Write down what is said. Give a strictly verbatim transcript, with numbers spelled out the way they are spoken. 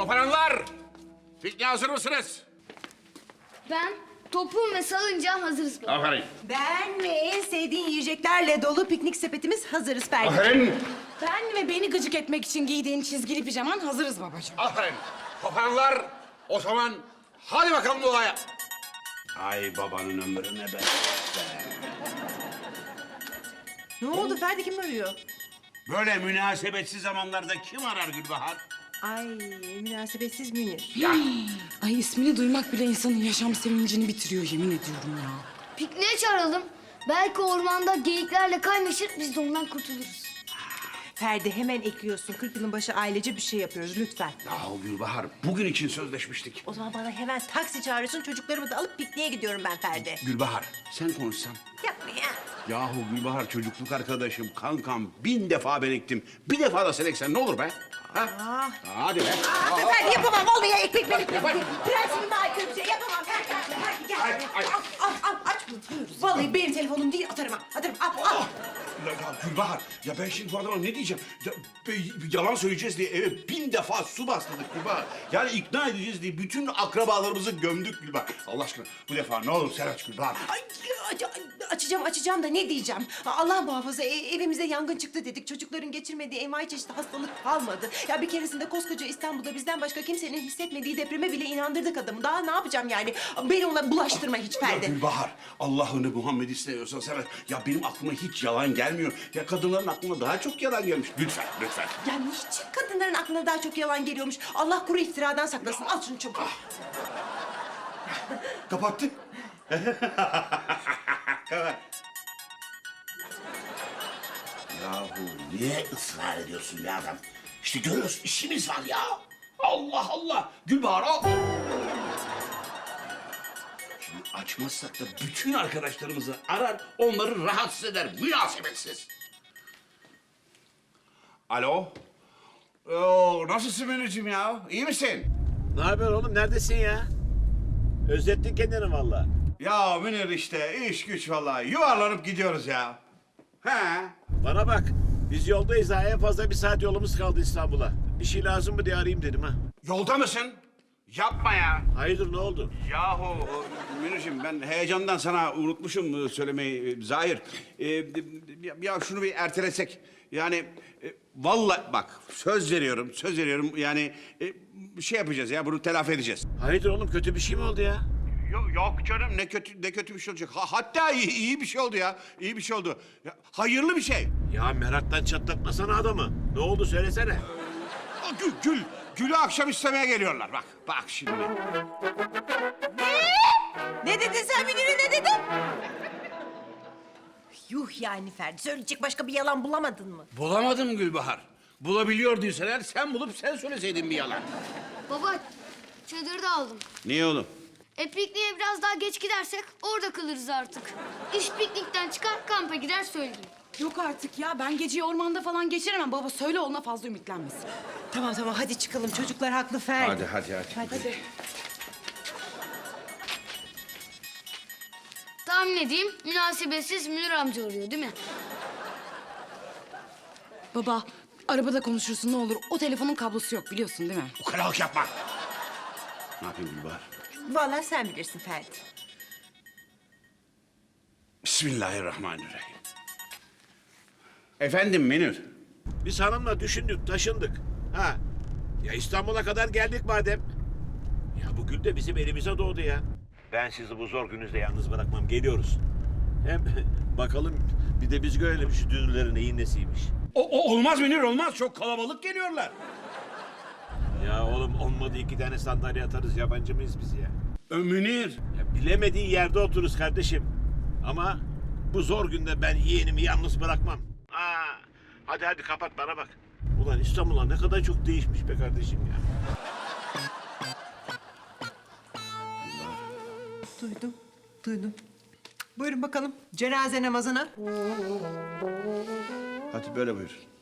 Toparanlar! Pikniğe hazır mısınız? Ben topum ve salıncağım hazırız baba. Aferin. Ben ve en sevdiğin yiyeceklerle dolu piknik sepetimiz hazırız Ferdi. Aferin. Ben ve beni gıcık etmek için giydiğin çizgili pijaman hazırız babacığım. Aferin. Toparanlar, o zaman hadi bakalım olaya. Ay babanın ömrüne be. Ne oldu Ferdi, kim arıyor? Böyle münasebetsiz zamanlarda kim arar Gülbahar? Ay münasebetsiz Münir. Ay ismini duymak bile insanın yaşam sevincini bitiriyor yemin ediyorum ya. Pikniğe çağıralım. Belki ormanda geyiklerle kaynaşır, biz de ondan kurtuluruz. Ferdi hemen ekliyorsun. kırk yılın başı ailece bir şey yapıyoruz lütfen. Yahu Gülbahar, bugün için sözleşmiştik. O zaman bana hemen taksi çağırıyorsun. Çocuklarımı da alıp pikniğe gidiyorum ben Ferdi. Gülbahar, sen konuşsan. Yapma ya. Yahu Gülbahar çocukluk arkadaşım, kankam. Bin defa ben ektim. Bir defa da sen eksen ne olur be? Ha? Ah. Hadi be. Aa, Aa, Ferdi yapamam. Vallahi ekmek benim. Yapar. Prensibime aykırı bir şey yapamam. Ferdi, Ferdi, Ferdi gel. Ay, ay. Al, al, al. Aç bunu. Vallahi benim telefonum değil. Atarım ha. Atarım. Al, al. Ya, ya Gülbahar, ya ben şimdi bu adama ne diyeceğim? Ya, be- yalan söyleyeceğiz diye eve bin defa su bastırdık Gülbahar. Yani ikna edeceğiz diye bütün akrabalarımızı gömdük Gülbahar. Allah aşkına bu defa ne olur sen aç Gülbahar. Ay, aç, açacağım açacağım da ne diyeceğim? Allah muhafaza e- evimize yangın çıktı dedik. Çocukların geçirmediği envai çeşitli hastalık kalmadı. Ya bir keresinde koskoca İstanbul'da bizden başka kimsenin hissetmediği depreme bile inandırdık adamı. Daha ne yapacağım yani? Beni ona bulaştırma hiç Ya Ferdi. Gülbahar, Allah'ını Muhammed'i seviyorsan sen aç. Ya benim aklıma hiç yalan gelmiyor. Ya kadınların aklına daha çok yalan gelmiş. Lütfen, lütfen. Ya niçin kadınların aklına daha çok yalan geliyormuş? Allah kuru iftiradan saklasın. Al şunu çabuk. Kapattı. Kapat. Yahu niye ısrar ediyorsun ya adam? İşte görüyorsun işimiz var ya. Allah Allah. Gülbahar al. Şimdi açmazsak da bütün arkadaşlarımızı arar, onları rahatsız eder. Münasebetsiz. Alo. Oo, nasılsın Münir'cim ya? İyi misin? Ne haber oğlum? Neredesin ya? Özlettin kendini vallahi. Ya Münir işte iş güç vallahi. Yuvarlanıp gidiyoruz ya. He. Bana bak. Biz yoldayız ha. En fazla bir saat yolumuz kaldı İstanbul'a. Bir şey lazım mı diye arayayım dedim ha. Yolda mısın? Yapma ya. Hayırdır ne oldu? Yahu Münir'cim ben heyecandan sana unutmuşum söylemeyi Zahir. Ee, ya- ya şunu bir ertelesek. Yani e, vallahi bak söz veriyorum, söz veriyorum. Yani e, bir şey yapacağız ya bunu telafi edeceğiz. Hayırdır oğlum? Kötü bir şey mi oldu ya? Yok, yok canım ne kötü ne kötü bir şey olacak. Ha- hatta iyi, iyi bir şey oldu ya. İyi bir şey oldu. Ya, hayırlı bir şey. Ya meraktan çatlatmasana adamı. Ne oldu söylesene. Aa, Gül, Gül, Gül'ü akşam istemeye geliyorlar. Bak, bak şimdi. Ne dedin sen Münir'e, ne dedin? Yuh yani Ferdi. Söyleyecek başka bir yalan bulamadın mı? Bulamadım Gülbahar. Bulabiliyorduysan eğer sen bulup sen söyleseydin bir yalan. Baba, çadırı da aldım. Niye oğlum? E pikniğe biraz daha geç gidersek orada kalırız artık. İş piknikten çıkar, kampa gider söyleyeyim. Yok artık ya ben geceyi ormanda falan geçiremem. Baba söyle ona fazla ümitlenmesin. Tamam tamam hadi çıkalım. Çocuklar haklı Ferdi. hadi hadi. Hadi. Tahmin edeyim, münasebetsiz Münir amca arıyor değil mi? Baba arabada konuşursun ne olur. O telefonun kablosu yok biliyorsun değil mi? Ukalalık yapma. Ne yapayım Gülbahar? Vallahi sen bilirsin Ferdi. Bismillahirrahmanirrahim. Efendim Münir. Biz hanımla düşündük, taşındık. Ha. Ya İstanbul'a kadar geldik madem. Ya bu gül de bizim elimize doğdu ya. Ben sizi bu zor gününüzde yalnız bırakmam. Geliyoruz. Hem bakalım bir de biz görelim şu dünürlerin neyin nesiymiş. O, o olmaz Münir olmaz. Çok kalabalık geliyorlar. Ya oğlum olmadı iki tane sandalye atarız. Yabancı mıyız biz ya? Ö, Münir. Ya bilemediğin yerde otururuz kardeşim. Ama bu zor günde ben yeğenimi yalnız bırakmam. Aa, hadi hadi kapat bana bak. Ulan İstanbul'a ne kadar çok değişmiş be kardeşim ya. Duydum, duydum. Buyurun bakalım cenaze namazına. Hadi böyle buyur.